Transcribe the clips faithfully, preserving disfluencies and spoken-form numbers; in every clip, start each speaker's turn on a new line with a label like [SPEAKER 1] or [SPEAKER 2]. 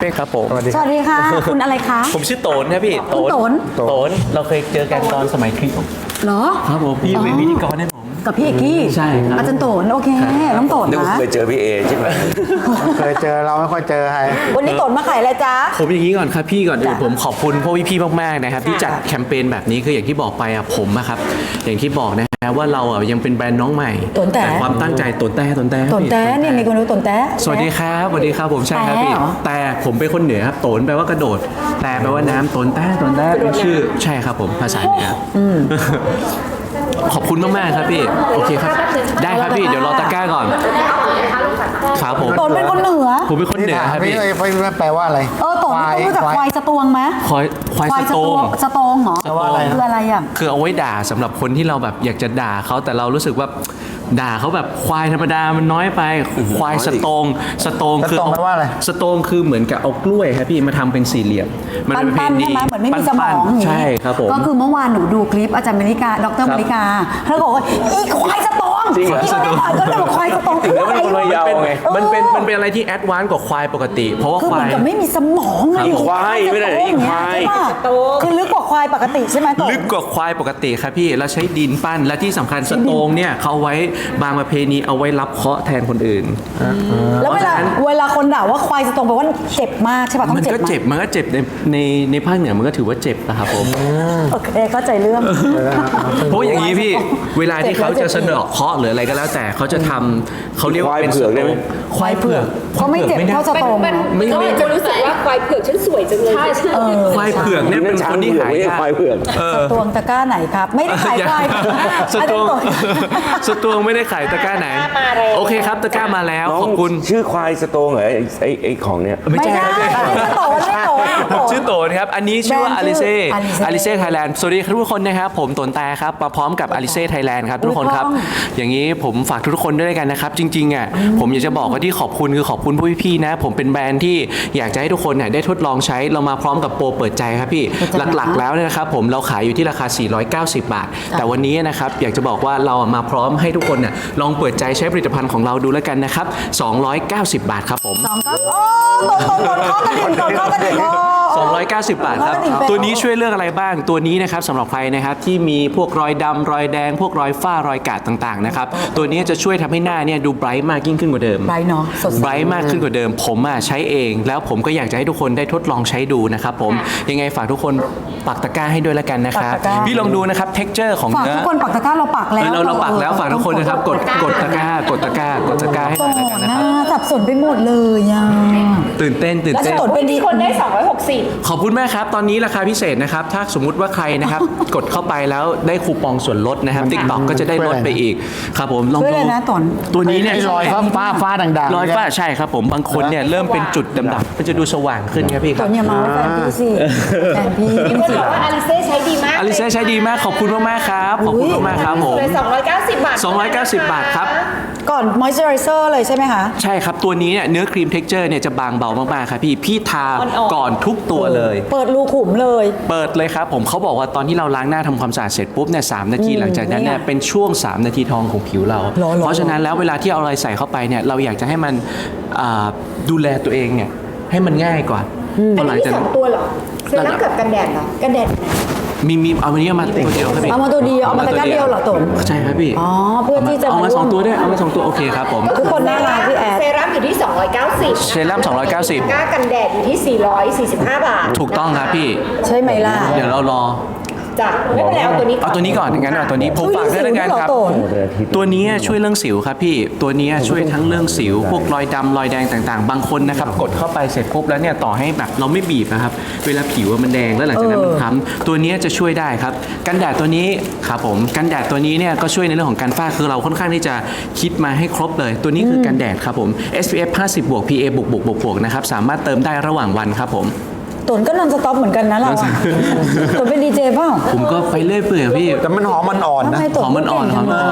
[SPEAKER 1] ป้ครับผม
[SPEAKER 2] สวัสดีค่ะ คุณอะไรคะ
[SPEAKER 1] ผมชื่อโตนครับพี่
[SPEAKER 2] คุณโตน
[SPEAKER 1] โตนเราเคยเจอกันตอนสมัยคลิป
[SPEAKER 2] เหรอ
[SPEAKER 1] ครับผมพี่เป็นพิธีกรให้ผม
[SPEAKER 2] กับพี่เอกกี้
[SPEAKER 1] ใช่ครับ
[SPEAKER 2] อาจารย์โตนโอเคน้องโตน
[SPEAKER 3] นึกว่า
[SPEAKER 2] นะ
[SPEAKER 3] เคยเจอพี่เอใช่ไหม
[SPEAKER 4] เคยเจอเราไม่ค่อยเจอใคร
[SPEAKER 2] วันนี้โตนมาขายอะไรจ๊ะ
[SPEAKER 1] ผมอย่างนี้ก่อนครับพี่ก่อนอื่น
[SPEAKER 2] จ้ะ
[SPEAKER 1] ผมขอบคุณพวกพี่ๆมากๆนะครับที่จัดแคมเปญแบบนี้คืออย่างที่บอกไปอะผมอะครับอย่างที่บอกนะฮะว่าเราอะยังเป็นแบรนด์น้องใหม่
[SPEAKER 2] โตนแต่
[SPEAKER 1] ความตั้งใจโตนแต่โตนแต่ครับ
[SPEAKER 2] โตน
[SPEAKER 1] พี่
[SPEAKER 2] แต้เนี่ยมีคนรู้โตนแต้
[SPEAKER 1] สวัสดีครับสวัสดีครับผมใช่ครับพี่
[SPEAKER 2] แต่เหรอ
[SPEAKER 1] แต่ผมเป็นคนเหนือครับโตนแปลว่ากระโดด แต่แปลว่าน้ำโตนแต่โตนแต่เป็นชื่อใช่ครับผมภาษาเหนืออขอบคุณมากๆครับพี่โอเคครับได้ครับพี่เดี๋ยวรอตะกร้าก่อนครับผม
[SPEAKER 2] โตนเป็นคนเหนือ
[SPEAKER 1] ผมเป็นคนเหนือครับ
[SPEAKER 4] พี่
[SPEAKER 1] พี่
[SPEAKER 4] เอ้ยไม่แปลว่าอะไร
[SPEAKER 2] เออโตนต้องรู้จักควายสตวงไหม
[SPEAKER 1] ควายควายสโตง
[SPEAKER 2] สตวงเหรอ
[SPEAKER 1] สตวง
[SPEAKER 2] คืออะไรอ่ะ
[SPEAKER 1] คือเอาไว้ด่าสำหรับคนที่เราแบบอยากจะด่าเขาแต่เรารู้สึกว่าด่าเขาแบบควายธรรมดามันน้อยไปควายสโตงสโตงคือ
[SPEAKER 4] สโตงแปลว่าอะไร
[SPEAKER 1] สโตงคือเหมือนกับเอากล้วยครับพี่มาทำเป็นสี่เหลี่ยมมั
[SPEAKER 2] ปั้น
[SPEAKER 1] เป็น
[SPEAKER 2] ปั้นใช่ไหมเหมือนไม่มีสมอง
[SPEAKER 1] ปั้นๆใช่ครับผม
[SPEAKER 2] ก็คือเมื่อวานหนูดูคลิปอาจารย์มริกาดรมริกาเขาบอกว่าอีควายสตวง
[SPEAKER 1] จริงเหรอ
[SPEAKER 2] อีควายสตวงก็เลยบอกควายสตวงคือ
[SPEAKER 1] แล้ว
[SPEAKER 2] อะไร
[SPEAKER 1] มัน
[SPEAKER 2] วะ
[SPEAKER 1] เป็น
[SPEAKER 3] ไง
[SPEAKER 1] มันเป็น
[SPEAKER 2] เออ
[SPEAKER 1] มันเป็นอะไรที่แอดวานซ์กว่าควายปกติ เพราะว่า
[SPEAKER 2] คือ
[SPEAKER 1] ค
[SPEAKER 2] เหมื
[SPEAKER 1] วา
[SPEAKER 2] อน
[SPEAKER 1] ย
[SPEAKER 2] กับไม่มีสมองไง
[SPEAKER 3] อีควายไม่ได้อีควาย
[SPEAKER 2] ใช่ป่ะคือลึกกว่าควายปกติใช่ไหมโต
[SPEAKER 1] ลึกกว่าควายปกติครับพี่แล้วใช้ดินปั้นและที่สำคัญสโตงเนี่ยเขาเอาไว้บางประเพณีเอาไว้รับเคราะห์แทนคนอื่น
[SPEAKER 2] แล้วเวลาเวลาคนด่าว่าควายสตวงแปลว่าเจ็บมากใช่ป่ะต้อง
[SPEAKER 1] มัน
[SPEAKER 2] เจ็บ
[SPEAKER 1] ก็
[SPEAKER 2] มาก
[SPEAKER 1] เจ็บมันก็เจ็บในในในภาคเหนือมันก็ถือว่าเจ็บนะครับผม
[SPEAKER 2] โอเคเข้าใจเรื่อง
[SPEAKER 1] เพราะอย่างนี้พี่เวลาที่เขาจะสะเดาะเคราะห์หรืออะไรก็แล้วแต่เขาจะทำเขาเรียกว่าเป็น
[SPEAKER 3] ควายเผือกได้ไหม
[SPEAKER 1] ควายเผือก
[SPEAKER 2] เขาไม่เจ็บเท่าสตวง
[SPEAKER 5] มัน
[SPEAKER 2] นะ
[SPEAKER 1] ไม่
[SPEAKER 5] ก็
[SPEAKER 1] ไม่
[SPEAKER 5] อาจจะรู้สึกว่าควายเผือกฉันสวยจังเลย ใช่ใช่
[SPEAKER 1] ควายเผือกเนี่ยเป็นคนที่หายาก
[SPEAKER 3] ควายเผือก
[SPEAKER 2] สตวงตะกร้าไหนครับ ไม่ได้ขายควาย
[SPEAKER 1] สตวง
[SPEAKER 2] อันนี้
[SPEAKER 1] สตวงไม่ได้ขายตะกร้าไหน โอเคครับตะกร้ามาแล้ว
[SPEAKER 3] น้อง
[SPEAKER 1] ขอบคุณ
[SPEAKER 3] ชื่อควายสโตงเหรอไอ้ไอ้ไอ้ของเนี้ย
[SPEAKER 2] ไม่ใช่
[SPEAKER 1] ครับ
[SPEAKER 2] ไม่ใช่โตนไม่โตนโตน
[SPEAKER 1] ชื่อโตนครับ อันนี้ชื่อว่า
[SPEAKER 2] แบร
[SPEAKER 1] อน
[SPEAKER 2] ด์
[SPEAKER 1] ลิเซ่
[SPEAKER 2] ชื่อ Alice
[SPEAKER 1] อลิเซ่ไทยแลนด์สวัสดีทุกคนนะครับ ผมโตนแต่ครับ มาพร้อมกับอลิเซ่ไทยแลนด์ครับทุกคนครับ
[SPEAKER 2] ถูกต้อง
[SPEAKER 1] อย่างนี้ผมฝากทุกคนด้วยกันนะครับ จริงๆอ่ะผมอยากจะบอกว่าที่ขอบคุณคือขอบคุณผู้พี่ๆนะ ผมเป็นแบรนด์ที่อยากจะให้ทุกคนเนี่ยได้ทดลองใช้เรามาพร้อมกับโปรเปิดใจครับพี่หลักๆแล้วเนี่ยนะครับผมเราขายอยู่ที่ราคา สี่ร้อยเก้าสิบบาท แต่วันนี้นะครับอยากจะบอกว่าเรามาพร้อมให้ทุกคนเนี่ยลองเปิดใจใช้ผลิตภัณฑ์ของเราดูแล้วกันนะครับสองร้อยเก้าสิบบาทครับผม
[SPEAKER 2] สองก็โอ้โตนโตนโตนเข้ากระดิ่งโตนเข้ากระดิ่งโอ้
[SPEAKER 1] สองร้อยเก้าสิบบาทครับ
[SPEAKER 2] ร้อยเก้าสิบ
[SPEAKER 1] ตัวนี้ช่วยเรื่องอะไรบ้าง ตัวนี้นะครับสำหรับใครนะครับที่มีพวกรอยดำรอยแดง พวกรอยฝ้ารอยกาดต่างๆนะครับ ตัวนี้จะช่วยทำให้หน้าเนี่ยดูไบรท์มากยิ่งขึ้นกว่าเดิม
[SPEAKER 2] ไบรท์เนอะสดใส
[SPEAKER 1] ไบรท์มากขึ้นกว่าเดิม ผมอ่ะใช้เอง แล้วผมก็อยากจะให้ทุกคนได้ทดลองใช้ดูนะครับผม ยังไงฝากทุกคนปักตะกร้าให้ด้วยแล้วกันนะครับ
[SPEAKER 2] ปักตะกร้า
[SPEAKER 1] พี่ลองดูนะครับ texture ของ
[SPEAKER 2] ฝาก
[SPEAKER 1] เนื้อ
[SPEAKER 2] ทุกคนปักตะกร้าเราปัก
[SPEAKER 1] เอ
[SPEAKER 2] แล้ว
[SPEAKER 1] อเราเราปักแล้วฝากทุกคนนะครับ กดกดตะกร้ากดตะกร้ากดตะกร้าให้ห
[SPEAKER 2] โต
[SPEAKER 1] น่อยแล้วกัน
[SPEAKER 2] น
[SPEAKER 1] นะ
[SPEAKER 2] นะครับ สับสนไปหมดเลยอ่ะ
[SPEAKER 1] ตื่นเต้นตื่น
[SPEAKER 2] แล้ว
[SPEAKER 1] เต้น
[SPEAKER 2] โตนเป็นดี
[SPEAKER 5] คนได้สองร้อยหกสิบ
[SPEAKER 1] ขอบคุณมากครับ ตอนนี้ราคาพิเศษนะครับ ถ้าสมมุติว่าใครนะครับ กดเข้าไปแล้วได้คูปองส่วนลดนะครับ TikTok ก็จะได้ลดไปอีก ครับผม ลอง
[SPEAKER 2] ช่วย
[SPEAKER 1] ดู
[SPEAKER 2] เลยนะตน
[SPEAKER 1] ตัวนี้เนี่ย
[SPEAKER 4] ไอ้รอยฟ้าฟ้าฟ้าด่างๆ
[SPEAKER 1] รอยฝ้าใช่ครับผม บางคนเนี่ยเริ่มเป็นจุดดำๆมันจะดูสว่างขึ้นครับพี่ค
[SPEAKER 2] ต
[SPEAKER 1] รับ
[SPEAKER 2] นอย่ามาว่าแฟนพี่สิแฟนพี่จริง
[SPEAKER 5] บอกว่าอลิเซ่ใช้ดีมาก
[SPEAKER 1] อลิเซ่ใช้ดีมาก ขอบคุณมากๆครับ ขอบคุณมากๆครับผม
[SPEAKER 5] เลยสองร้อยเก้าสิบบาท
[SPEAKER 1] สองร้อยเก้าสิบบาทครับ
[SPEAKER 2] ๆก่อนมอยเจอไรเซอร์เลยใช่ไหมคะ
[SPEAKER 1] ใช่ครับ ตัวนี้เนี่ยเนื้อครีมเท็กเจอร์เนี่ยจะบางเบามากๆครับพี่ พี่ทาก่อนทุกตัวเลย
[SPEAKER 2] เปิดรูขุมเลย
[SPEAKER 1] เปิดเลยครับผมเขาบอกว่าตอนที่เราล้างหน้าทำความสะอาดเสร็จปุ๊บเนี่ยสามนาที
[SPEAKER 2] อืม
[SPEAKER 1] หลังจากนั้นเนี่ย
[SPEAKER 2] เนี่ย
[SPEAKER 1] เป็นช่วง สาม นาทีทองของผิวเรา
[SPEAKER 2] หรอหรอ
[SPEAKER 1] เพราะฉะนั้นแล้วเวลาที่เอาอะไรใส่เข้าไปเนี่ยเราอยากจะให้มันอ่าดูแลตัวเองเนี่ยให้มันง่ายกว่าพอหลังจาก
[SPEAKER 5] ส
[SPEAKER 1] นั้
[SPEAKER 5] อน งตัวเหรอเซรั่มกับกันแดดเหรอกันแดด
[SPEAKER 1] มีมีเอาวันนี้เอามาตัวเดียวครับพี่
[SPEAKER 2] เอามาตัวเดียวเอามาตะกร้าเดียวเหรอตน
[SPEAKER 1] ใช่ครับพี่
[SPEAKER 2] อ๋อเพื่อที่จะ
[SPEAKER 1] เอามา
[SPEAKER 2] มาร่วม
[SPEAKER 1] สองตัวด้วยเอามาสองตัวโอเคครับผม
[SPEAKER 2] ทุกคนน่ารักพี่แอด
[SPEAKER 5] เซรั่มอยู่ที่สองร้อยเก้าสิบ
[SPEAKER 1] เซรั่มสองร้อยเก้าสิบ
[SPEAKER 5] ก้ากันแดดอยู่ที่สี่ร้อยสี่สิบห้าบาท
[SPEAKER 1] ถูกต้องครับพี่
[SPEAKER 2] ใช่ไหมล่ะ
[SPEAKER 1] เดี๋ยวเรารอ
[SPEAKER 5] จ้ะไม่เป็นไรเอาตัวนี้ก่อน
[SPEAKER 1] เอาตัวนี้ก่อนงั้นเอาตัวนี้ผมฝากด้วยแล้วกันครับ
[SPEAKER 2] ช่วยเรื่องสิวด้วยเหรอโตน
[SPEAKER 1] ตัวนี้ช่วยเรื่องสิวครับพี่ ตัวนี้ช่วยทั้งเรื่องสิว พวกรอยดำรอยแดงต่างๆ บางคนนะครับกดเข้าไปเสร็จปุ๊บแล้วเนี่ยต่อให้แบบเราไม่บีบนะครับ เวลาผิวมันแดงแล้วหลังจากนั้นมันค้ำตัวนี้จะช่วยได้ครับ กันแดดตัวนี้ครับผม กันแดดตัวนี้เนี่ยก็ช่วยในเรื่องของการฝ้าคือเราค่อนข้างที่จะคิดมาให้ครบเลย ตัวนี้คือกันแดดครับผม เอส พี เอฟ ห้าสิบ บวก พี เอ บวกบวกบวกบวกนะครับสามารถเติมได้ระหว่างวันครับผม
[SPEAKER 2] ตนก็นอนสต็อปเหมือนกันนะเราอะตนเป็นดีเจเปล่า
[SPEAKER 1] ผมก็ไปเรื่อยเปื่อยพี่
[SPEAKER 4] แต่มันหอมมันอ่อนนะ
[SPEAKER 2] ทำไมตน
[SPEAKER 1] หอมมันอ่อนหอมมันอ่อน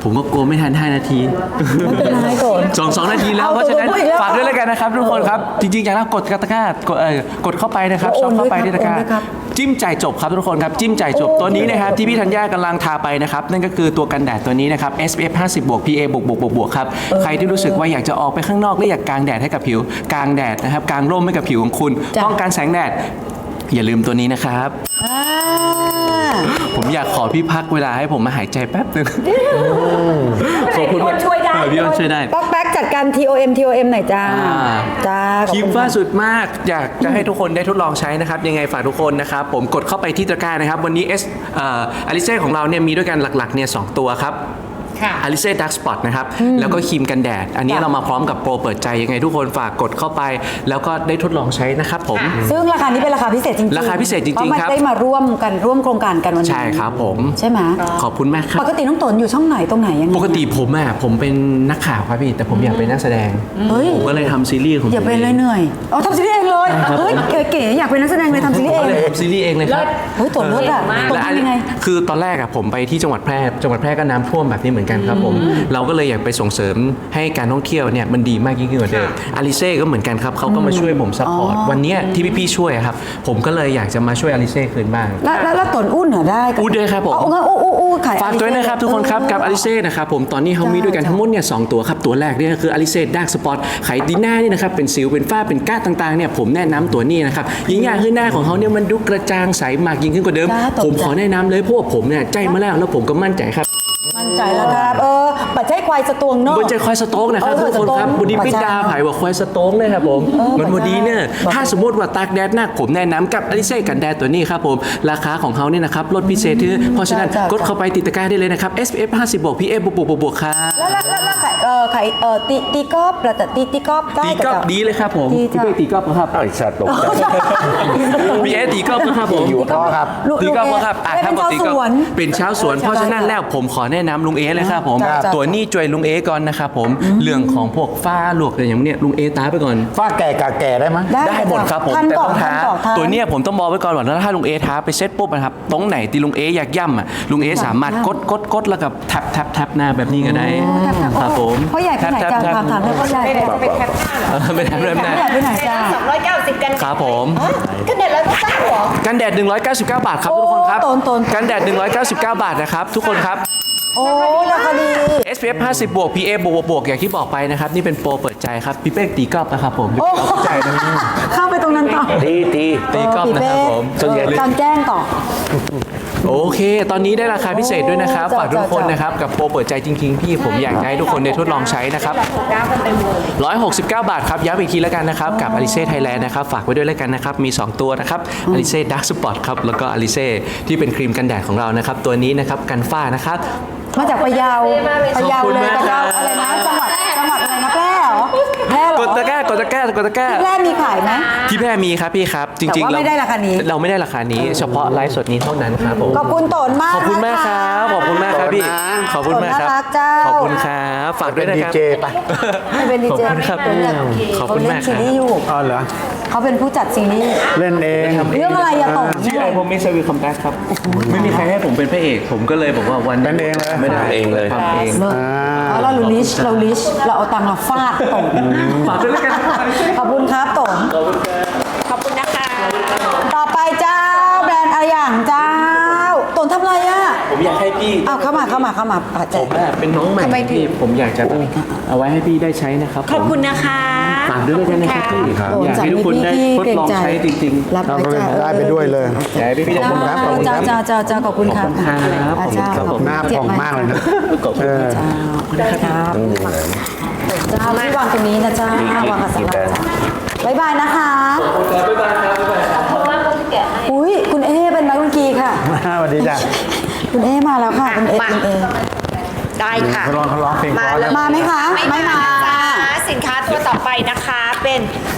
[SPEAKER 1] ผมก็กลัวไม่ทันห้านาที
[SPEAKER 2] ไม่เป็นไรก่อน
[SPEAKER 1] สองสองนาทีแล้ว
[SPEAKER 2] เอา
[SPEAKER 1] เพราะฉะนั้น
[SPEAKER 2] ตัวพูดอีกแล้ว
[SPEAKER 1] ฝากด้วยแล้วกันนะครับทุกคนครับจริงๆอย่างนั้นกดตะกร้ากดเอ่อกดเข้าไปนะครับ
[SPEAKER 2] แล้ว
[SPEAKER 1] ชอบเข้าไป
[SPEAKER 2] โอนด้วย
[SPEAKER 1] ที่ตะกร้า
[SPEAKER 2] ครับโอนด้วยครับ
[SPEAKER 1] จิ้มจ่ายจบครับทุกคนครับจิ้มจ่ายจบ
[SPEAKER 2] โอ้
[SPEAKER 1] ตัวนี้นะครับที่พี่ธัญญากำลังทาไปนะครับนั่นก็คือตัวกันแดดตัวนี้นะครับ เอส พี เอฟ ห้าสิบ บวก พี เอ บวกบวกบวกบวกครับใครที่รู้สึกว่าอยากจะออกไปข้างนอกและอยากกางแดดให้กับผิวกางแดดนะครับกางร่มให้กับผิวของคุณ
[SPEAKER 2] จ้ะ
[SPEAKER 1] ป้องกันแสงแดดอย่าลืมตัวนี้นะครับ
[SPEAKER 2] อ่า
[SPEAKER 1] ผมอยากขอพี่พักเวลาให้ผมมาหายใจแป๊บนึงขอบคุณ
[SPEAKER 5] พี่อ้นช่วยได้
[SPEAKER 1] เออพี่อ้นช่วยได้
[SPEAKER 2] ป๊อกแป๊กจัดการ ที โอ เอ็ม ที โอ เอ็ม หน่อยจ้า
[SPEAKER 1] อ่า
[SPEAKER 2] จ้าขอบ
[SPEAKER 1] ครีม
[SPEAKER 2] คุณ
[SPEAKER 1] ฟ้า
[SPEAKER 2] ค่ะ
[SPEAKER 1] สุดมาก อยากจะให้ทุกคนได้ทดลองใช้นะครับ ยังไงฝากทุกคนนะครับ ผมกดเข้าไปที่ตะกร้านะครับ วันนี้เอสเอ่ออลิเซ่ของเราเนี่ยมีด้วยกันหลักๆเนี่ยสองตัวครับ
[SPEAKER 5] ค่ะ
[SPEAKER 1] อลิเซ่ดักสปอตนะครับ แล้วก็ครีมกันแดด อันนี้
[SPEAKER 2] จ้ะ
[SPEAKER 1] เรามาพร้อมกับโปรเปิดใจยังไงทุกคนฝากกดเข้าไป แล้วก็ได้ทดลองใช้นะครับผม
[SPEAKER 2] ซึ่งราคานี้เป็นราคาพิเศษจริงๆ
[SPEAKER 1] ราคาพิเศษจริงๆ
[SPEAKER 2] พาะมัน
[SPEAKER 1] ครับ
[SPEAKER 2] ได้มาร่วมกันร่วมโครงการกันวันนี้
[SPEAKER 1] ใช่ครับผม
[SPEAKER 2] ใช่ไหม
[SPEAKER 1] ขอบคุณมากครับ
[SPEAKER 2] ปกติน้องตนอยู่ช่องไหนตรงไหนยังไง
[SPEAKER 1] ปกติผมอ่ะผมเป็นนักข่าวครับพี่ แต่ผมอยากเป็นนักแสดง
[SPEAKER 2] เฮ้ย
[SPEAKER 1] ผมก็เลยทำซีรีส์ของผม
[SPEAKER 2] อย่าเป็นเลย
[SPEAKER 1] ง
[SPEAKER 2] เหนื่อยเอาทำซีรีส์เองเลย
[SPEAKER 1] ครับ
[SPEAKER 2] เฮ้ยเก๋ๆอยากเป็นนักแสดงเลยทำซีรีส์
[SPEAKER 1] ผม
[SPEAKER 2] เอง
[SPEAKER 1] ก็เลยทำซีรีส์เองเลยครับ
[SPEAKER 2] เฮ้ยตนเลิศอ่ะ
[SPEAKER 5] เก่งมาก
[SPEAKER 2] ตน
[SPEAKER 1] และอัน
[SPEAKER 2] ทำยังไง
[SPEAKER 1] คือตอนแรกอะผมไปที่จังหวัดแพร่จังหวัดแพร่ก็น้ำท่วมแบบนี้เหมือนกันครับผมเราก็เลยอยากไปส่งเสริมให้การท่องเที่ยวเนี่ยมันดีมากยิ่งขึ้นกว่าเดิมอาริเซ่ก็เหมือนกันครับเขาก็มาช่วยผมซัพพอร์ตวันเนี้ยที่พี่ๆช่วยอะครับผมก็เลยอยากจะมาช่วยอาริเซ่คืนบ้าง
[SPEAKER 2] แล้วแล้วแล้วตนอู้เหนือได้กับ
[SPEAKER 1] อู้ด้วยครับผม
[SPEAKER 2] เอางั้นอู้อู้อู้ขาย
[SPEAKER 1] ฝากด้วยนะครับทุกคนครับกับอาริเซ่นะครับผมตอนนี้เขามีด้วยกันทั้งหมดเนี่ยสองตัวครับตัวแรกเนี่ยคืออาริเซ่ดาร์กสปอตไขดีหน้านี่นะครับเป็นสิวเป็นฝ้าเป็นก้าต่างๆเนี่ยผมแนะนำตัวนี้นะครับยิ่งอย่างคือหน้าของเขาเนี่ยมันดูกระจ่างใสมากยิ่งขึ้นกว่าเดิม ผมขอแนะนำเลยเพราะว่าผมเนี่ยใจมาแล้วแล้วผมก็มั่นใจครับ
[SPEAKER 2] มั่นใจแล้วครับเออปัจจัยควายสตวงเนอะ
[SPEAKER 1] บนใจควายสโต๊กนะครับ
[SPEAKER 2] เออ
[SPEAKER 1] ทุกคนครับ
[SPEAKER 2] สโต๊ก
[SPEAKER 1] บุดีปิดา
[SPEAKER 2] ปัจจัย
[SPEAKER 1] ไผ่ว่าควายสโต๊กเลยครับผม
[SPEAKER 2] เออ
[SPEAKER 1] มัน
[SPEAKER 2] ปัจจัย
[SPEAKER 1] บุดีเนี่ย
[SPEAKER 2] ปัจจัย
[SPEAKER 1] ถ้าสมมติว่าตากแดดหนักผมแนะนำกับอลิเซ่กันแดดตัวนี้ครับผมราคาของเขาเนี่ยนะครับลดพิเศษที่เพราะฉะนั้น
[SPEAKER 2] จ้ะ
[SPEAKER 1] กดเข้าไปติดตะกร้าได้เลยนะครับ เอส พี เอฟ ห้าสิบ บวก พี เอ บวกบวกบวกบวกครับ
[SPEAKER 2] แล้วแล้วแล้วแล้วขายเออขายเออตีตีกอล์ฟแต่ตีตีกอล์ฟได้
[SPEAKER 1] ตีกอล์ฟ
[SPEAKER 2] แต่
[SPEAKER 1] ดีเลยครับผม
[SPEAKER 2] ดี
[SPEAKER 1] พี่
[SPEAKER 2] จ้ะ
[SPEAKER 1] เป้ตีกอล์ฟครับ
[SPEAKER 3] อ้าวไอ้สัตว์ตกใจ
[SPEAKER 1] พีเอตีกอล์ฟครับผม
[SPEAKER 3] อยู่
[SPEAKER 4] พ่อครับ
[SPEAKER 2] ลูก
[SPEAKER 1] ตีกอล์ฟ
[SPEAKER 2] ลู
[SPEAKER 1] ครับอ่ะ
[SPEAKER 2] เอ๊ะ
[SPEAKER 1] ถ้า
[SPEAKER 2] เป็น
[SPEAKER 1] บอก
[SPEAKER 2] ชาว
[SPEAKER 1] ตี
[SPEAKER 2] ส
[SPEAKER 1] กอล์ฟ
[SPEAKER 2] วน
[SPEAKER 1] เป็นชาวสวน เพราะฉะนั้นแล้วผมขอแนะนำลุงเอเลยครับผม
[SPEAKER 2] จ้ะจ้ะ
[SPEAKER 1] ตัวนี้จวยลุงเอก่อนนะครับผมเรื่องของพวกฝ้าหลวกอะไรอย่างเนี้ยลุงเอตาไปก่อน
[SPEAKER 4] ฝ้าแก่กาแก่ได้ไหมย
[SPEAKER 2] ได้
[SPEAKER 1] ได้หมดครับผม
[SPEAKER 2] ท่าน
[SPEAKER 1] แต่
[SPEAKER 2] ก่อ
[SPEAKER 1] ต้
[SPEAKER 2] น
[SPEAKER 1] อง
[SPEAKER 2] ท่า
[SPEAKER 1] ท้าน
[SPEAKER 2] ก่อนท่าน
[SPEAKER 1] ตัวเนี้ยผมต้องบอกไว้ก่อนว่าถ้าลุงเอท้าไปเซ็ตปุ๊บนะครับตรงไหนที่ลุงเออยากย่ำอ่ะลุงเอสามารถกดกดกดแล้วกับแท็บแท็บแท็บหน้าแบบนี้ก็ได้ครับผม
[SPEAKER 2] พ่อใหญ่ไปไหนจ้า
[SPEAKER 1] แท็บ
[SPEAKER 2] ถามถามให้พ่อใหญ่
[SPEAKER 5] ไป
[SPEAKER 2] ไป
[SPEAKER 5] ไหนจะไปแคปหน้าเหรอ
[SPEAKER 1] เออไม่ได้เริ่มหน้า
[SPEAKER 2] พ่อใหญ่ไปไหนจ้า
[SPEAKER 5] สองร้อยเก้าสิบกัน
[SPEAKER 1] ครับผม
[SPEAKER 5] กันแดดร้อยเก้าสิบเหรอ
[SPEAKER 1] กันแดดหนึ่งร้อยเก้าสิบเก้าบาทครับทุกคนครับ
[SPEAKER 2] โตนโตน
[SPEAKER 1] กันแดดหนึ่งร้อยเก้าสิบเก้าบาทนะครับทุกคนครับ
[SPEAKER 2] โอ้ราคาดี
[SPEAKER 1] เอส พี เอฟ ห้าสิบ บวก พี เอ บวกบวกบวกอย่างที่บอกไปนะครับนี่เป็นโปรเปิดใจครับพี่เป้ตีกอล์ฟนะครับผมพี่เป้เข้าใจนะ
[SPEAKER 2] เข้าไปตรงนั้นต่อ
[SPEAKER 3] ตีตี
[SPEAKER 1] ตีกอล์ฟนะครับผม
[SPEAKER 2] ส่วนใหญ่กางแจ้งต่อ
[SPEAKER 1] โอเค ตอนนี้ได้ราคาพิเศษด้วยนะครับ
[SPEAKER 2] โอ้
[SPEAKER 1] ฝากทุกคน
[SPEAKER 2] จ้ะ
[SPEAKER 1] นะครับ กับโปรเปิดใจจริงๆ พี่ผมอยากจะให้ทุกคนได้ทดลองใช้นะครับ
[SPEAKER 5] ดาวกันเต็มเลย
[SPEAKER 1] หนึ่งร้อยหกสิบเก้า บาทครับ ย้ำอีกทีแล้วกันนะครับ กับ Alice Thailand นะครับ ฝากไว้ด้วยแล้วกันนะครับ มี สอง ตัวนะครับ Alice Dark Spot ครับ แล้วก็ Alice ที่เป็นครีมกันแดดของเรานะครับ ตัวนี้นะครับ กันฝ้านะครับ
[SPEAKER 2] มาจากพะเยาพะเยา
[SPEAKER 1] ขอบคุณ
[SPEAKER 2] เลย
[SPEAKER 1] มาก
[SPEAKER 2] พะเยา
[SPEAKER 1] ครับ
[SPEAKER 2] อะไรนะจังหวัดจังหวัดอะไรนะแพร่เหรอแพร่เหร
[SPEAKER 1] ก
[SPEAKER 2] อ
[SPEAKER 1] ดตะกร้ากดตะกร้ากดตะกร้า
[SPEAKER 2] แพร่มีขายไหม
[SPEAKER 1] ที่แพร่มีครับพี่ครับ จริงๆ
[SPEAKER 2] แต่ว่าไม่ได้ราคานี้
[SPEAKER 1] เราไม่ได้ราคานี้ เฉพาะไลฟ์สดนี้เท่านั้นครับผม
[SPEAKER 2] ขอบคุณโตนมาก
[SPEAKER 1] ขอบคุณมากค
[SPEAKER 2] นะะ
[SPEAKER 1] รับ ขอบคุณมากครับพี่ ขอบคุณมากครับ
[SPEAKER 2] น่ารักเจ้า
[SPEAKER 1] ขอบคุณครับ ฝากด้วยนะ
[SPEAKER 4] ดี
[SPEAKER 1] ครับ
[SPEAKER 4] เจไป
[SPEAKER 2] ไม่เป็นดี
[SPEAKER 1] ขอบ
[SPEAKER 2] เจ
[SPEAKER 1] คุณครับ ขอบ
[SPEAKER 2] เขา
[SPEAKER 1] คุณ
[SPEAKER 2] เล่
[SPEAKER 1] มาน กค
[SPEAKER 2] ซี
[SPEAKER 1] รับ
[SPEAKER 2] รีส์อยู่
[SPEAKER 4] อ๋อเหรอ
[SPEAKER 2] เขาเป็นผู้จัดซีรีส์
[SPEAKER 4] เล่นเอง
[SPEAKER 2] เรื่องอะไรอะโตน
[SPEAKER 1] ชื่อไอผมมิสวีคัมแบ็กครับ ไม่มีใครให้ผมเป็นพระเอก ผมก็เลยบอกว่าวัน
[SPEAKER 4] เป็นเองเลย
[SPEAKER 1] ไม่ได้
[SPEAKER 3] เองเลย
[SPEAKER 1] ทำเอง
[SPEAKER 2] เลิศเพราะเราลิชเราลิชเราเอาตังค์มาฟาดโตน
[SPEAKER 1] ฝากด้วยแล้วกัน
[SPEAKER 2] ขอบคุณครับโตน
[SPEAKER 5] ขอบคุณนะคะ
[SPEAKER 2] ต่อไปเจ้าแบรนด์อะไรอย่างเจ้าโตนทำอะไรอะ
[SPEAKER 1] ผมอยากให้พี่
[SPEAKER 2] อ้าวเข้ามาเข้ามาเข้ามาอ่ะ
[SPEAKER 1] ผ
[SPEAKER 2] เจ๊
[SPEAKER 1] มอะเป็นน้องใหม่
[SPEAKER 5] ทำไมถึง
[SPEAKER 1] พี่ผมอยากจะเอาไว้ให้พี่ได้ใช้นะครับ
[SPEAKER 5] ขอบคุณนะคะ
[SPEAKER 1] ฝากด้วยแล้วกันนะครับพี่
[SPEAKER 2] โตน
[SPEAKER 1] อยาก
[SPEAKER 2] จาก
[SPEAKER 1] ให้ทุกคนได้
[SPEAKER 2] พี่
[SPEAKER 1] ทด
[SPEAKER 2] เกรง
[SPEAKER 1] ลอง
[SPEAKER 2] ใจ
[SPEAKER 1] ใช้จริงๆ
[SPEAKER 2] รับไปจ้า
[SPEAKER 4] ได้ไปด้วยเลย
[SPEAKER 1] อยากให้พี่ๆได้
[SPEAKER 2] จ้า
[SPEAKER 1] ทดลอง
[SPEAKER 4] ขอบคุณครับ
[SPEAKER 2] จ้าจ้าจ้าขอบคุณครับ
[SPEAKER 1] ขอบคุณครับ
[SPEAKER 2] อ่ะจ้า
[SPEAKER 1] ขอบคุณครับ
[SPEAKER 2] ขอบคุณ
[SPEAKER 4] หน้า
[SPEAKER 2] เจ็บ
[SPEAKER 4] ผ่อง
[SPEAKER 2] ไห
[SPEAKER 4] มากเลยนะ
[SPEAKER 1] ขอบคุณ
[SPEAKER 4] เออ
[SPEAKER 2] จ้าครับจ้าพี่วางตรงนี้นะจ้าวางกับสลับจ้าบ๊ายบายนะคะ
[SPEAKER 1] บ๊ายบายครับบ๊ายบายครับ
[SPEAKER 5] เพราะว่าเขาจะแกะให้
[SPEAKER 2] อุ้ยคุณเอเป็นนักดนตรีค่ะ
[SPEAKER 4] สวัสดีจ้ะ
[SPEAKER 2] คุณเอมาแล้วค่ะคุณเอ
[SPEAKER 5] มา
[SPEAKER 2] คุณเอ
[SPEAKER 5] ได้ค่ะ
[SPEAKER 4] เขาร้องเขาร้องเพลงเพราะแล้ว
[SPEAKER 2] มาไหมคะ
[SPEAKER 5] ไม่มาจ้าสินค้าตัวต่อไปนะคะเป็น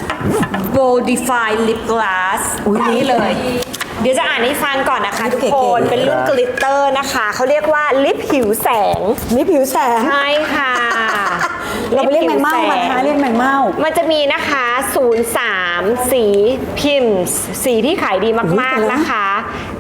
[SPEAKER 5] Bodify Lip Glass
[SPEAKER 2] อุ๊ย
[SPEAKER 5] นี่เลย เดี๋ยวจะอ่านให้ฟังก่อนนะคะทุก
[SPEAKER 2] เก๋
[SPEAKER 5] ค
[SPEAKER 2] ๆ
[SPEAKER 5] น เป็นรุ่นกลิตเตอร์นะคะ เขาเรียกว่าลิปผิวแสง
[SPEAKER 2] มีผิวแสง
[SPEAKER 5] ใช่ค่ะ
[SPEAKER 2] เราไปเรียกแมงเม่ามานะคะเรียกแมงเม่า
[SPEAKER 5] มันจะมีนะคะ ศูนย์ สาม สีพิมพ์ สีที่ขายดีมากๆนะคะ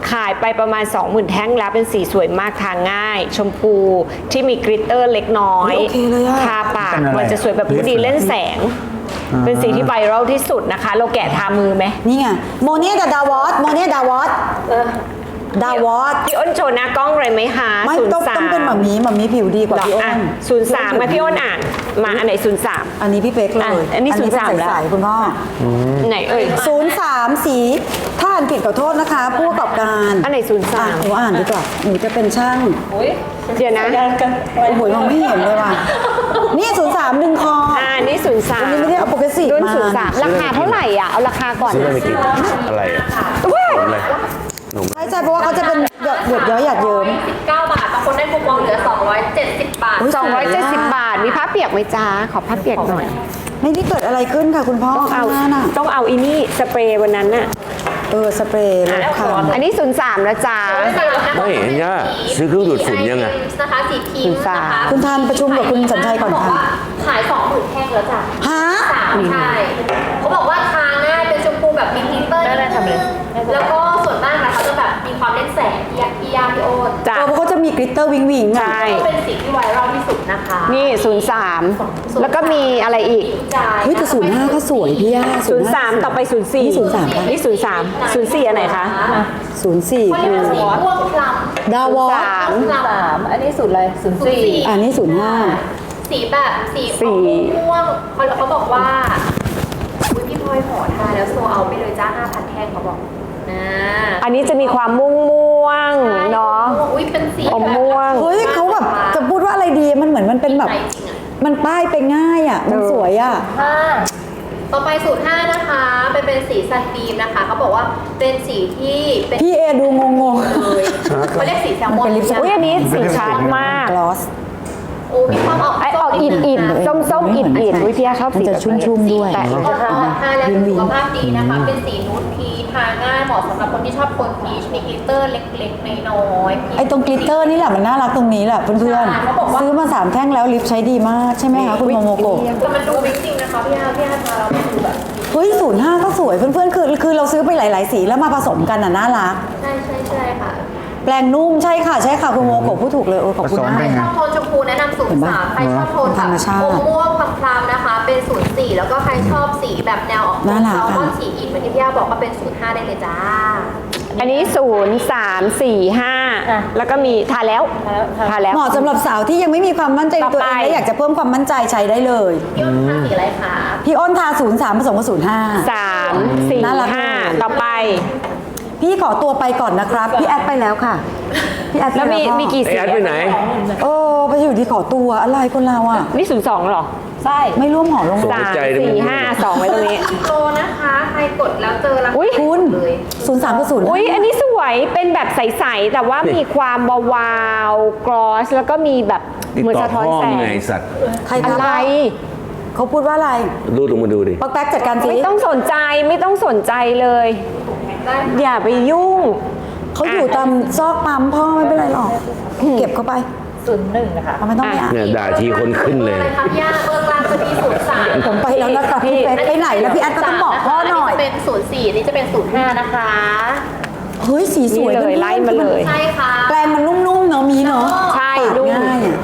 [SPEAKER 5] ขายไปประมาณ สองหมื่น แท่งแล้วเป็นสีสวยมากทาง่าย ชมพูที่มีกริตเตอร์เล็กน้อย
[SPEAKER 2] โอเคเลยอะ
[SPEAKER 5] ทาปาก
[SPEAKER 4] เป็นอะไร
[SPEAKER 5] มันจะสวยแบบผู้ดีเล่นแสง เป็นสีที่ไวรัลที่สุดนะคะ เราแกะทามือไหม
[SPEAKER 2] นี่ไงโมเนียกับดาวอสโมเนียดาวอสดาวอส
[SPEAKER 5] พี่อ้นโชว์หน้ากล้องเลยไหมคะ
[SPEAKER 2] ไม่
[SPEAKER 5] ศูน
[SPEAKER 2] ต้อง
[SPEAKER 5] ย์สา
[SPEAKER 2] ต้อง
[SPEAKER 5] ม
[SPEAKER 2] เป็นหมามีหมามีผิวดีกว่าพี่อ้น
[SPEAKER 5] ศูนย์สามมาพี่อ้นอ่านมาอันไหนศูนย์สาม
[SPEAKER 2] อันนี้พี่เป๊กเลย
[SPEAKER 5] อ่ะอันนี้
[SPEAKER 2] เป็
[SPEAKER 5] ศูนย์สามแล้ว
[SPEAKER 2] ใสๆคุณพ่อ
[SPEAKER 5] ไหนเอ่ย
[SPEAKER 2] ศูนย์สามสีถ้าอ่านผิดขอโทษนะคะผู้ประกอบการ
[SPEAKER 5] อันไหนศูนย์สาม
[SPEAKER 2] อ่ะหนูอ่านดีกว่าหนูจะเป็นช่าง
[SPEAKER 5] เดี๋ยวนะ
[SPEAKER 2] โอ้โหมองไม่เห็นเลยว่ะนี่ศูนย์สามดึงคอ
[SPEAKER 5] อ่านี่ศูนย์สาม
[SPEAKER 2] วันนี้ไม่ได้เอาโปรเกรสซีฟ
[SPEAKER 5] รุ่น
[SPEAKER 2] มา
[SPEAKER 5] ศูนย์สามราคาเท่าไหร่อ่ะเอาราคาก่อน
[SPEAKER 3] ซื้อ
[SPEAKER 5] นะ
[SPEAKER 3] ไปกินอะไรอ่ะ
[SPEAKER 5] ว้าย
[SPEAKER 3] ขนมอะไรขนม
[SPEAKER 2] ใช่ใช่เพราะว่าเขาจะเป็นหยดหยดย้อยหยาดเยิ้ม
[SPEAKER 6] สิบเก้าบาทบางคนได้คูปองเหลือ สองร้อยเจ็ดสิบ บาท
[SPEAKER 2] อุ๊ย
[SPEAKER 5] สองร้อยเจ็ดสิบบาท มีผ้าเปียกไหมจ้าขอผ้าเปียกหน่อย
[SPEAKER 2] ไม่ได้เกิดอะไรขึ้นค่ะคุณพ่อ
[SPEAKER 5] ต้องเอา
[SPEAKER 2] ข้างหน้าน่ะ
[SPEAKER 5] ต้องเอาอีนี่สเปรย์วันนั้นน่ะ
[SPEAKER 2] เออสเปรย์ลดคำ
[SPEAKER 5] อันนี้ศูนย์สามนะจ๊ะ
[SPEAKER 3] ไม่เห็นย่าซื้อเครื่องดูดฝุ่นยังไง
[SPEAKER 6] นะคะสีพิมพ์นะคะ
[SPEAKER 2] คุณทานประชุมกับคุณสัญชัยก่อน
[SPEAKER 6] เขาบ
[SPEAKER 2] ค่ะ
[SPEAKER 6] ว่าขายสองหมื่นแท่งแล้วจ้ะ
[SPEAKER 2] ฮะ
[SPEAKER 6] สามใช่เขาบอกว่าทาง่ายเป็นชมพูแบบมีกลิตเตอร์นิดนึงแล้วก็ส่วนมากนะเขาจะแบบมีความเล่นแสงที่ยากที่ยากพี่โอ๊ต
[SPEAKER 5] จ้ะ
[SPEAKER 2] เออเพราะเขาจะมีกริตเตอร์วิงวิงอ่ะ
[SPEAKER 5] ใช่
[SPEAKER 6] ก็เป็นสีที่ไวรัลที่สุดนะคะ
[SPEAKER 5] นี่ศูนย์สามแล้วก็มีอะไรอีก
[SPEAKER 6] จ่าย
[SPEAKER 2] เฮ้ยแต่ศูนย์ห้าก็สวยพี่ย่า
[SPEAKER 5] ศูนย์สามต่อไปศูนย์สี่
[SPEAKER 2] นี่ศูนย์สามปะ
[SPEAKER 5] นี่ศูนย์สามศูนย์สี่อันไหนคะ
[SPEAKER 2] ศูนย์สี่
[SPEAKER 6] เขาเรียกว่าสีม่วงคล้ำ
[SPEAKER 2] ดาวอส
[SPEAKER 5] สาม
[SPEAKER 6] สามอันนี้สูตรอะไรศูนย์สี่
[SPEAKER 2] อันนี้ศูนย์ห้า
[SPEAKER 6] สีแบบสี
[SPEAKER 5] สี
[SPEAKER 6] ม่วงเขาเขาบอกว่าอุ้ยพี่พลอยหอทาแล้วโซเอาไปเลยจ้าห้าพันแท่งเขาบอกนะ
[SPEAKER 5] อันนี้จะมีความม่วงม่วงๆเนาะ
[SPEAKER 6] อุ้ยเป็นสี
[SPEAKER 5] อมม่วง
[SPEAKER 2] เฮ้ยเขาแบบจะพูดว่าอะไรดีมันเหมือนมันเป็นแบบ
[SPEAKER 6] ใส่จริงอ่ะ
[SPEAKER 2] มันป้ายไปง่ายอ่ะ มันสวยอ่ะ
[SPEAKER 6] ห้าต่อไปสูตรห้านะคะเป็นเป็นสีซันบีมนะคะเขาบอกว่าเป็นสีที่เป็น
[SPEAKER 2] พี่เอดูงงง
[SPEAKER 6] เลยเขาเรียกสีแซลมอน
[SPEAKER 2] มันเป็นลิปสติก
[SPEAKER 5] อุ้ยอันนี้สีชัดมาก
[SPEAKER 2] กลอส
[SPEAKER 6] โอ้มีความออก
[SPEAKER 5] ไอออกอิดอิดส้มส้มอิดอิดวิทยาชอบ
[SPEAKER 2] มัน
[SPEAKER 5] สี
[SPEAKER 2] จะ
[SPEAKER 5] แบบ
[SPEAKER 2] ชุ่มๆด้วย
[SPEAKER 5] แต่
[SPEAKER 6] ก็ทาทาแล้วสุขภาพดีนะคะ เป็นสีนูดพีชทาง่ายเหมาะสำหรับคนที่ชอบโทนพีชมีกลิตเตอร์เล็กๆน้อยๆ
[SPEAKER 2] ไอ้ตรงกลิตเตอร์นี่แหละมันน่ารักตรงนี้แหละเพื่อน
[SPEAKER 6] ใช่เขาบอกว่า
[SPEAKER 2] ๆซื้อมาสามแท่งแล้วลิปใช้ดีมากใช่ไหมคะคุณโมโมโกะ
[SPEAKER 6] แต่มันดูวิกจริงนะคะพี่อาพี่อาทาแล้วมันดูแบบ
[SPEAKER 2] เฮ้ยศูนย์ห้าก็สวยเพื่อนๆคือคือเราซื้อไปหลาย ๆ สีแล้วมาผสมกันอ่ะน่ารัก
[SPEAKER 6] ใช่ใช่ใช่ค่ะ
[SPEAKER 2] แปลงนุ่มใช่ค่ะใช่ค่ะคุณโมโกะพูดถูกเลยเออขอบคุณ
[SPEAKER 4] ผสม
[SPEAKER 2] มา
[SPEAKER 4] เป็
[SPEAKER 2] ก
[SPEAKER 4] นไง
[SPEAKER 6] ชอบโทนชมพูแนะนำสูตรสามใครชอบโทนแบ
[SPEAKER 2] ธร
[SPEAKER 6] บ
[SPEAKER 2] รมชาติ
[SPEAKER 6] อมม่วงคล้ำๆนะคะ เป็นศูนย์สี่แล้วก็ใครชอบสีแบบแนวออก
[SPEAKER 2] น่ารัก
[SPEAKER 6] แซลมอน
[SPEAKER 2] ค่ะ
[SPEAKER 6] สีอิฐเหมือนที่พี่อาบอกก็เป็นศูนย์ห้าได้เลยจ้า
[SPEAKER 5] อันนี้ศูนย์สามสี่ห้าแล้วก็มีทาแล้วทาแล้ว
[SPEAKER 2] เหมาะสำหรับสาวที่ยังไม่มีความมั่นใจในตัวเอง
[SPEAKER 5] ต่อไป
[SPEAKER 2] และอยากจะเพิ่มความมั่นใจใช้ได้เลย
[SPEAKER 6] พี่อ้นทาสีอะไรคะ
[SPEAKER 2] พี่อ้นทาศูนย์สามผสมกับศูนย์ห้า
[SPEAKER 5] สามสี่
[SPEAKER 2] น่ารัก
[SPEAKER 5] ห้า
[SPEAKER 2] เลย
[SPEAKER 5] ต่อไป
[SPEAKER 2] พี่ขอตัวไปก่อนนะครับ พี่แอดไปแล้วค่ะ พี่แอดไป
[SPEAKER 5] แล้วมี
[SPEAKER 2] พ่อ
[SPEAKER 5] มีกี่
[SPEAKER 3] ไอ
[SPEAKER 5] สี
[SPEAKER 3] แอดไปไหน
[SPEAKER 2] โอ้ไปอยู่ที่ขอตัวอะไรคนเราอ่ะ
[SPEAKER 5] นี่ศูนย์สองเหรอ
[SPEAKER 6] ใช่
[SPEAKER 2] ไม่ร่วมหอลง
[SPEAKER 3] ส่ง
[SPEAKER 5] สาม
[SPEAKER 3] ใจด้วย
[SPEAKER 5] สี่ห้าสองไว้ตรงนี้
[SPEAKER 6] โลนะคะ ใครกดแล้วเจอราคา
[SPEAKER 5] อุ๊ย
[SPEAKER 2] คุณ
[SPEAKER 6] เลย
[SPEAKER 2] ศูนย์สามกับศูนย์
[SPEAKER 5] อุ้ยอันนี้สวยเป็นแบบใสๆแต่ว่ามีความวาวๆกรอสแล้วก็มีแบบ
[SPEAKER 3] ติด
[SPEAKER 5] เหมือน
[SPEAKER 3] ต่อ
[SPEAKER 5] สะท้อน
[SPEAKER 3] พ่อ
[SPEAKER 5] แส
[SPEAKER 3] มึ
[SPEAKER 5] ง
[SPEAKER 3] งไงไอ้สัตว์
[SPEAKER 2] ใคร
[SPEAKER 5] อะ
[SPEAKER 2] ทำ
[SPEAKER 5] ไร
[SPEAKER 2] เขาพูดว่าอะไร
[SPEAKER 3] รูดลงมาดูดิ
[SPEAKER 2] ปักแป๊กจัดการสิ
[SPEAKER 5] ไม่ต้องสนใจไม่ต้องสนใจเลย อย่าไปยุ่ง
[SPEAKER 2] เขาอยู่ตามซอกปั๊มพ่อไม่เป็นไรหรอก เก็บเข้าไปศูนย์หนึ่งนะคะไม่ต้องไปอ่าน
[SPEAKER 3] เนี่ยด่าทีคนขึ้นเลย
[SPEAKER 6] อะไรคะพี่อาเบอร์กลางจะมีศูนย์สาม
[SPEAKER 2] ผมไปแล้วนะคะพี่เป๊กไปไหนแล้วพี่แอดก็ต้องบอกพ่อหน่อย
[SPEAKER 6] จะเป็นศูนย์สี่นี่จะเป็นศูนย์ห้านะคะ
[SPEAKER 2] เฮ้ยสีสวย
[SPEAKER 5] นี่เลย
[SPEAKER 2] พื่อนๆ
[SPEAKER 5] ไล่มาเลย
[SPEAKER 6] ใช่ค่ะ
[SPEAKER 2] แปลงมันนุ่มๆเนาะมีเนาะ
[SPEAKER 5] ใช่
[SPEAKER 2] ปาด
[SPEAKER 5] นุ่ม
[SPEAKER 2] ง่ายอ่ะ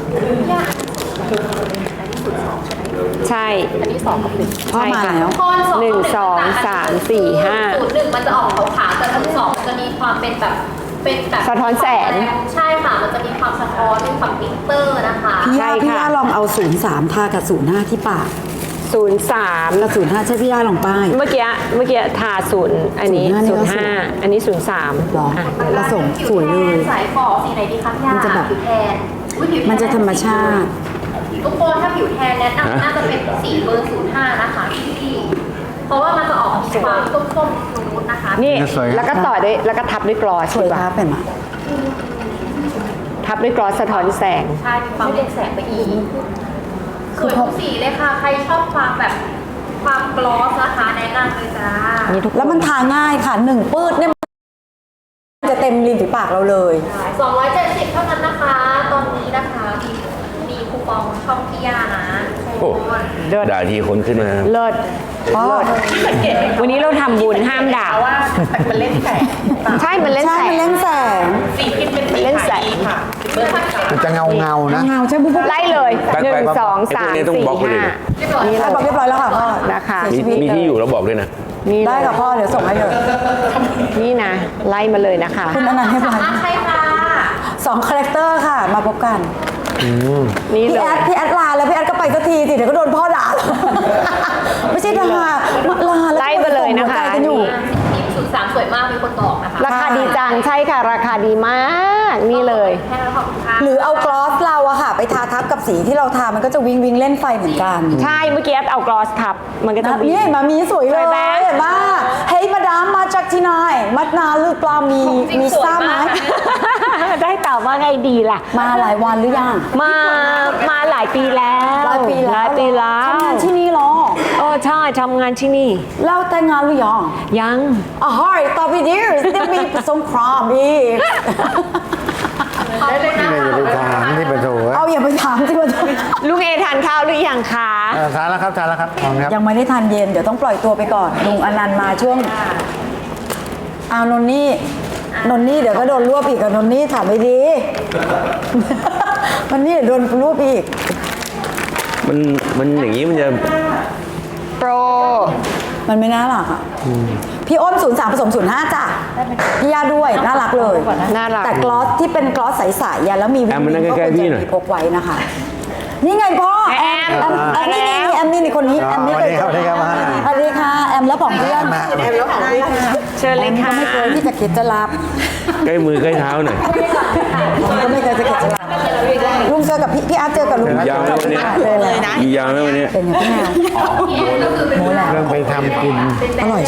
[SPEAKER 5] ใช่
[SPEAKER 6] อันนี้สองกับหนึ่ง
[SPEAKER 2] พ่อมาแล้ว
[SPEAKER 6] โทนสอง
[SPEAKER 5] หนึ่งสองสามสี่ห้า
[SPEAKER 6] ศูนย์หนึ่งมันจะออกขาวๆแต่ศูนย์สองมันจะมีความเป็นแบบเป็นแบบ
[SPEAKER 5] สะท้อนแสง
[SPEAKER 6] ใช่ค่ะ มันจะมีความสะท้อนมีความกลิตเตอร์นะคะ
[SPEAKER 2] พี่
[SPEAKER 5] ใช่
[SPEAKER 2] ย่า
[SPEAKER 5] ค่ะ
[SPEAKER 2] พี่ย่าลองเอาศูนย์สามทากับศูนย์ห้าที่ปาก
[SPEAKER 5] ศูนย์สาม
[SPEAKER 2] แล้วศูนย์ห้าใช่พี่ย่าลองป้าย
[SPEAKER 5] เมื่อกี้เมื่อกี้ทาศูนย์อันนี้
[SPEAKER 2] ศู
[SPEAKER 5] ศู
[SPEAKER 2] น
[SPEAKER 5] น
[SPEAKER 2] ย์
[SPEAKER 5] ย์
[SPEAKER 2] ห้า
[SPEAKER 5] ห้า
[SPEAKER 2] นี่ก็สวย
[SPEAKER 5] อันนี้ศูนย์สาม
[SPEAKER 2] หรอผสมสวยเลย
[SPEAKER 6] สายฝอสีไหนดีคะพี่ยา
[SPEAKER 2] มันจะแบบ
[SPEAKER 6] ผิวแทนอุ๊ยผิวแท
[SPEAKER 2] มันจะธรรมชาติ
[SPEAKER 6] ทุกคนถ้าผิวแทนแนะนำน่าจะเป็นสีเบอร์ศูนย์ห้านะคะพี่เพราะว่ามันจะออกความส้มๆนูดๆนะคะ
[SPEAKER 5] นี่
[SPEAKER 4] สวย
[SPEAKER 5] แล้วก็ต่อด้วยแล้วก็ทับด้วยกลอส
[SPEAKER 2] สวย
[SPEAKER 5] ดีกว่า
[SPEAKER 2] ท้าเป็นไหม
[SPEAKER 5] ทับด้วยกลอสสะท้อนแสง
[SPEAKER 6] ใช่มีความเรียกแสงไปอีกสวยทุกสีเลยค่ะ ใครชอบความแบบความกลอสนะคะแนะนำเลยจ้า
[SPEAKER 2] แล้วมันทาง่ายค่ะหนึ่งปืดเนี่ยมันจะเต็มริมฝีปากเราเลย
[SPEAKER 6] สองร้อยเจ็ดสิบเท่านั้นนะคะ ตอนนี้นะคะ มีมีคูปองช่องพี่ยานะโชว์
[SPEAKER 3] ด่าทีคนขึ้นมา
[SPEAKER 7] เลิศ
[SPEAKER 2] พ่อ
[SPEAKER 7] วันนี้เราทำบุญห้ามด่า
[SPEAKER 5] ว่ามันเล่นแสง
[SPEAKER 7] ใช่ มันเล่น
[SPEAKER 2] ใช่
[SPEAKER 7] แส
[SPEAKER 2] มัน
[SPEAKER 7] ง
[SPEAKER 2] เล่นแสง
[SPEAKER 5] สีพิมพ์เป็นสี
[SPEAKER 7] เล่นแสง
[SPEAKER 5] ค่ะ
[SPEAKER 4] มันจะเงาเงาๆนะ
[SPEAKER 2] เงาใช่ปุ๊บปุ๊บ
[SPEAKER 7] ไล่เลย
[SPEAKER 3] ไป
[SPEAKER 7] หนึ่
[SPEAKER 3] ไป
[SPEAKER 7] ง
[SPEAKER 3] ไป
[SPEAKER 7] สองสาม
[SPEAKER 3] ไอ้พวกนี้ต้อง
[SPEAKER 7] สี่
[SPEAKER 3] บล็อกไว้เลย
[SPEAKER 7] ห้า
[SPEAKER 3] นะ
[SPEAKER 7] นี่
[SPEAKER 2] ได้
[SPEAKER 7] เล
[SPEAKER 2] บอก
[SPEAKER 7] ย
[SPEAKER 2] เรียบร้อยแล้วค่ะพ่อ
[SPEAKER 7] นะคะ
[SPEAKER 3] มีมีที่อยู่แล้วบอกด้วยนะ
[SPEAKER 7] นี่เล
[SPEAKER 2] ได้
[SPEAKER 7] ย
[SPEAKER 2] ค่ะพ่อเดี๋ยวส่งให้เลย
[SPEAKER 7] นี่นะ ไล่มาเลยนะคะ
[SPEAKER 2] คุณอนันต์ให้ไป
[SPEAKER 6] ใช่ค่ะ
[SPEAKER 2] สองคาแรคเตอร์ค่ะ มาพบกัน
[SPEAKER 7] นี่
[SPEAKER 2] พี่
[SPEAKER 7] เล
[SPEAKER 2] แอย ดพี่แอดลาแล้วพี่แอดก็ไปสักทีสิเดี๋ยวก็โดนพ่อด่า ไม่ใช่ด่ามาลาแล้ว
[SPEAKER 7] ไล่มาเลยนะคะ
[SPEAKER 2] ส่งหัวใจกันอยู่
[SPEAKER 6] ทีมศูนย์สามสวยมากมีคนบอกนะคะ
[SPEAKER 7] ราคาดีจัง ใช่ค่ะ ราคาดีมาก นี่เลย
[SPEAKER 6] แค่นั้นขอบคุณค่ะ
[SPEAKER 2] หรือเอากลอสเราอะค่ะ ไปทาทับกับสีที่เราทามันก็จะวิงวิงเล่นไฟเหมือนกัน
[SPEAKER 7] ใช่ เมื่อกี้เอากลอสทับ มันก็จะ
[SPEAKER 2] นะ
[SPEAKER 7] วิ่ง
[SPEAKER 2] นี่มามีสวยเลย
[SPEAKER 7] สวยไหม
[SPEAKER 2] เห็นปะเฮ้ยมาดามมาจากที่ไหนมัดนาหรือเปล่ามี
[SPEAKER 6] จริง
[SPEAKER 2] มี
[SPEAKER 6] สวย
[SPEAKER 2] ทราบไหม
[SPEAKER 6] มาก
[SPEAKER 7] ได้ตอบว่าไงดีล่ะ
[SPEAKER 2] มาหลายวันหรือยัง
[SPEAKER 7] มา มาหลายปีแล้ว
[SPEAKER 2] หลายปีแล้ว
[SPEAKER 7] หลายปีแล้ว
[SPEAKER 2] ทำงานที่นี่เหรอ
[SPEAKER 7] เออใช่ทำงานที่นี่
[SPEAKER 2] แล้วแต่งงานหรือยัง
[SPEAKER 7] ยัง
[SPEAKER 2] อ๋อเฮ้ยต่อไปดีจะมีสงครามอีก
[SPEAKER 4] นี่อย่าไปถามที่ประตู
[SPEAKER 2] เอาอย่าไปถามที่ว่า
[SPEAKER 7] ลุงเอทานข้าวหรือยังคะ
[SPEAKER 4] เออทานแล้วครับทานแล้วครับทานครับ
[SPEAKER 2] ยังไม่ได้ทานเย็น เดี๋ยวต้องปล่อยตัวไปก่อน ลุงอนันต์มาช่วงเอานนนี่ นนนี่เดี๋ยวก็โดนรวบอีกกับนนนี่ถามไม่ดี มันนี่โดนรวบอีก
[SPEAKER 3] มันมันอย่างนี้มันจะ
[SPEAKER 7] โปร
[SPEAKER 2] มันไม่น่ารักอ่ะพี่อ้นศูนย์สามผสมศูนย์ห้าจ้ะพี่ยาด้วย น่ารักเลย
[SPEAKER 7] น่ารัก
[SPEAKER 2] แต่กลอสที่เป็นกลอสใสๆอย่าแล้วมีวิ
[SPEAKER 3] แอมมันนั่งใกล้ๆพี่หน่อย
[SPEAKER 2] มีพกไว้นะคะ นี่ไงพ่อแอมแอมแอมนี่นี่แอมนี่นี่คนนี้
[SPEAKER 4] อ๋อ
[SPEAKER 2] แอมไม่เคย
[SPEAKER 4] สวัสดีครับ
[SPEAKER 2] สวัสดีค่ะแอมแล้วของเพื่อน
[SPEAKER 4] มา
[SPEAKER 2] แอมแล้วของเพื่อน
[SPEAKER 7] เชิญเลยค่ะ
[SPEAKER 2] ก็ไม่เคยที่จะคิดจะรับ
[SPEAKER 3] ใกล้มือใกล้เท้าหน่อย
[SPEAKER 2] ก็ไม่เคยจะคิดจะรับลุงเจอกับพี่พี่อาร์ตเจอกับลุง
[SPEAKER 3] ยาวไหมวันนี้
[SPEAKER 2] เลยเลยนะ
[SPEAKER 3] มียาวไหมวันนี้
[SPEAKER 2] เป็นอย่างพี่แมวโมแหละ
[SPEAKER 4] เริ่มไปทำกิน
[SPEAKER 2] อร่อย